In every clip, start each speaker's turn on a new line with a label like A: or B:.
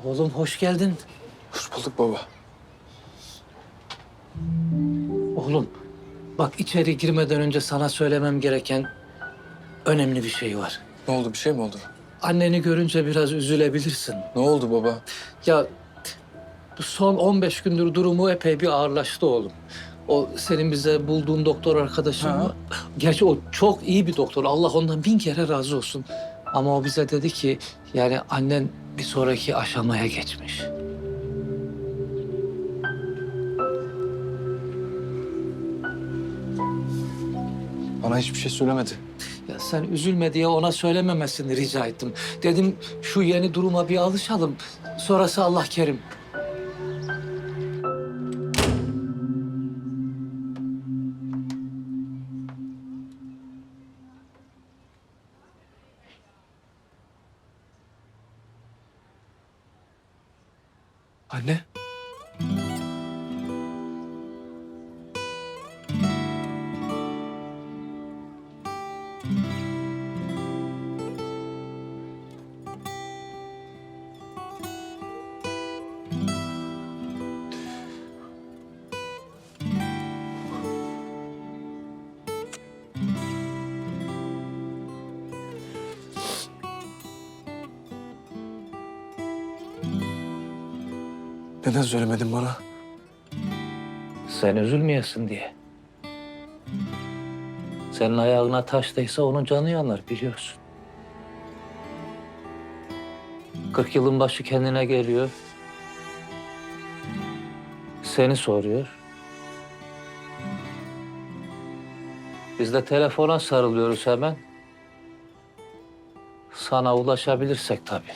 A: Oğlum hoş geldin.
B: Hoş bulduk baba.
A: Oğlum bak içeri girmeden önce sana söylemem gereken önemli bir şey var.
B: Ne oldu, bir şey mi oldu?
A: Anneni görünce biraz üzülebilirsin.
B: Ne oldu baba?
A: Ya bu son 15 gündür durumu epey bir ağırlaştı oğlum. O senin bize bulduğun doktor arkadaşın
B: Ha.
A: mı? Gerçi o çok iyi bir doktor. Allah ondan 1000 kere razı olsun. Ama o bize dedi ki yani annen bir sonraki aşamaya geçmiş.
B: Bana hiçbir şey söylemedi.
A: Ya sen üzülme diye ona söylememesini rica ettim. Dedim şu yeni duruma bir alışalım. Sonrası Allah kerim.
B: Anne. Neden söylemedin bana?
A: Sen üzülmeyesin diye. Senin ayağına taş değse onun canı yanar biliyorsun. 40 yılın başı kendine geliyor. Seni soruyor. Biz de telefona sarılıyoruz hemen. Sana ulaşabilirsek tabii.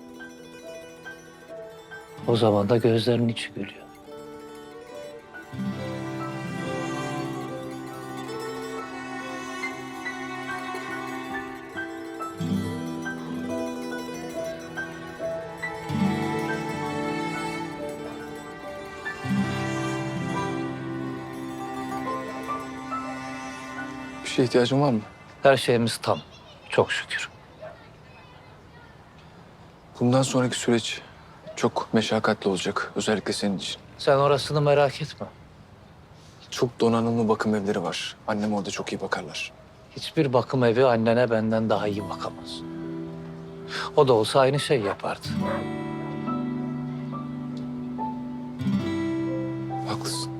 A: O zaman da gözlerinin içi gülüyor.
B: Bir şeye ihtiyacın var mı?
A: Her şeyimiz tam. Çok şükür.
B: Bundan sonraki süreç çok meşakkatli olacak. Özellikle senin için.
A: Sen orasını merak etme.
B: Çok donanımlı bakım evleri var. Annem orada çok iyi bakarlar.
A: Hiçbir bakım evi annene benden daha iyi bakamaz. O da olsa aynı şey yapardı.
B: Haklısın.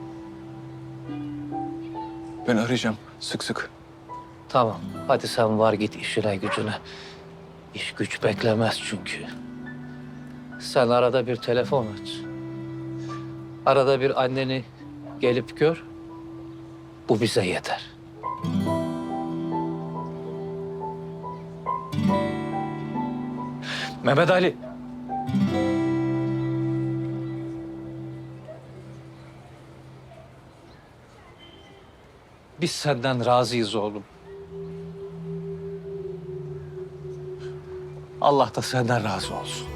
B: Ben arayacağım sık sık.
A: Tamam, hadi sen var git işine gücüne. İş güç beklemez çünkü. Sen arada bir telefon aç. Arada bir anneni gelip gör. Bu bize yeter. Mehmet Ali. Biz senden razıyız oğlum. Allah da senden razı olsun.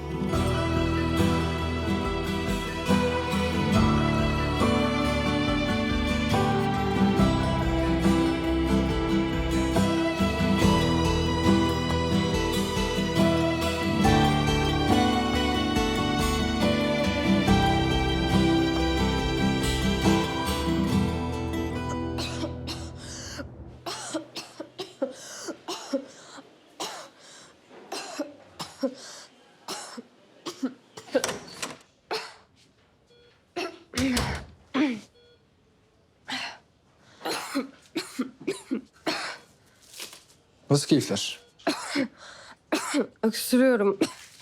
B: Nasıl keyifler?
C: Öksürüyorum.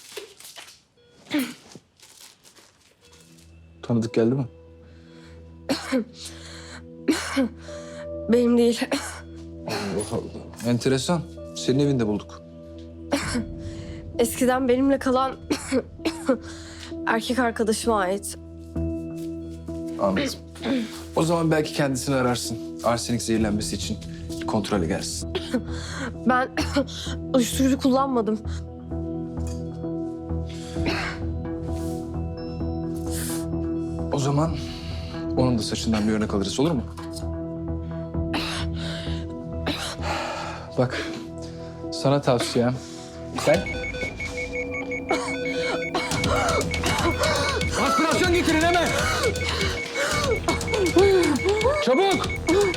B: Tanıdık geldi mi?
C: Benim değil.
B: Allah Allah. Enteresan. Senin evinde bulduk.
C: Eskiden benimle kalan erkek arkadaşıma ait.
B: Anladım. O zaman belki kendisini ararsın. Arsenik zehirlenmesi için kontrole gelsin.
C: Ben uyuşturucu kullanmadım.
B: O zaman onun da saçından bir örnek alırız, olur mu? Bak, sana tavsiyem. Sen getirin hemen. Çabuk.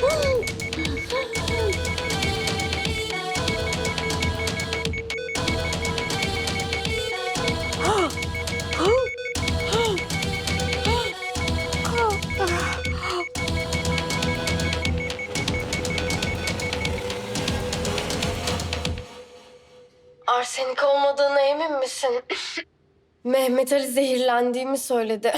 C: Arsenik olmadığına emin misin? Mehmet Ali zehirlendiğimi söyledi.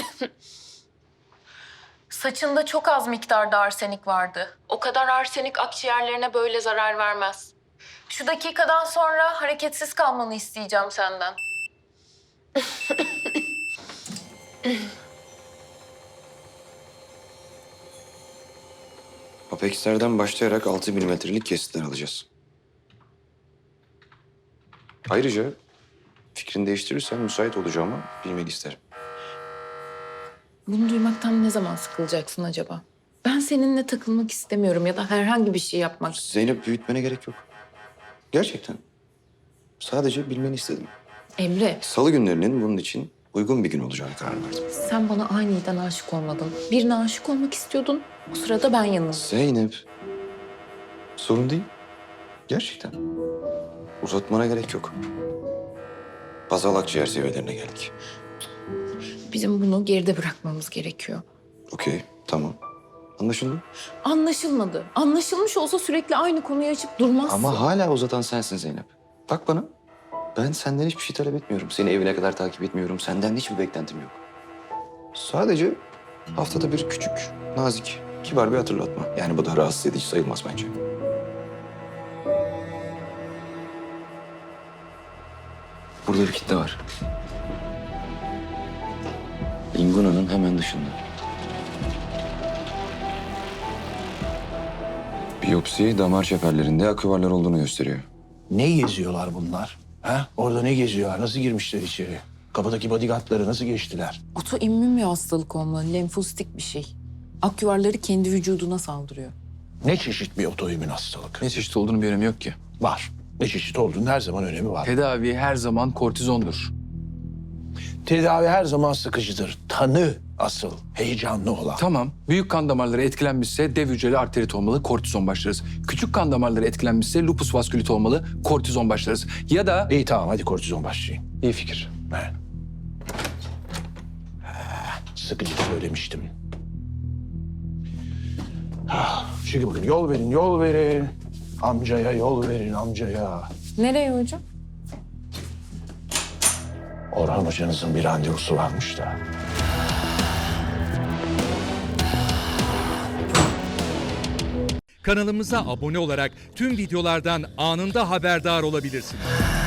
D: Saçında çok az miktarda arsenik vardı. O kadar arsenik akciğerlerine böyle zarar vermez. Şu dakikadan sonra hareketsiz kalmanı isteyeceğim senden.
E: Apex'lerden başlayarak 6 milimetrelik kesitler alacağız. Ayrıca fikrini değiştirirsen müsait olacağımı bilmeni isterim.
D: Bunu duymaktan ne zaman sıkılacaksın acaba? Ben seninle takılmak istemiyorum ya da herhangi bir şey yapmak.
E: Zeynep, büyütmene gerek yok. Gerçekten. Sadece bilmeni istedim.
D: Emre,
E: Salı günlerinin bunun için uygun bir gün olacağını karar verdim.
D: sen bana aniden aşık olmadın. Birine aşık olmak istiyordun. O sırada ben yanıldım.
E: Zeynep. Sorun değil. Gerçekten. Uzatmana gerek yok. Bazal akciğer seviyelerine geldik.
D: Bizim bunu geride bırakmamız gerekiyor.
E: Okey, tamam. Anlaşıldı.
D: Anlaşılmadı. Anlaşılmış olsa sürekli aynı konuyu açıp durmazsın.
E: Ama hala uzatan sensin Zeynep. Bak bana. Ben senden hiçbir şey talep etmiyorum. Seni evine kadar takip etmiyorum. Senden hiçbir beklentim yok. Sadece haftada bir küçük, nazik, kibar bir hatırlatma. Yani bu da rahatsız edici sayılmaz bence. Burada bir kitle var. Inguna'nın hemen dışında. Biyopsi damar çeperlerinde aküvarlar olduğunu gösteriyor.
F: Ne geziyorlar bunlar? Ha? Orada ne geziyorlar? Nasıl girmişler içeri? Kapıdaki bodyguardları nasıl geçtiler?
D: Otoimmün bir hastalık olmalı, lenfositik bir şey. Akyuvarları kendi vücuduna saldırıyor.
F: Ne çeşit bir otoimmün hastalık?
B: Ne çeşit olduğunu bir önemi yok ki.
F: Var. Ne çeşit olduğunun her zaman önemi var.
B: Tedavi her zaman kortizondur.
F: Tedavi her zaman sıkıcıdır. Tanı asıl heyecanlı olan.
B: Tamam. Büyük kan damarları etkilenmişse dev hücreli arterit olmalı, kortizon başlarız. Küçük kan damarları etkilenmişse lupus vaskülit olmalı, kortizon başlarız. Ya da...
F: İyi tamam hadi kortizon başlayın.
B: İyi fikir.
F: He. Sıkıcı söylemiştim. Şimdi bakın yol verin, yol verin. Amcaya yol verin, amcaya.
D: Nereye hocam?
F: Orhan hocanızın bir randevusu varmış da.
G: Kanalımıza abone olarak tüm videolardan anında haberdar olabilirsiniz.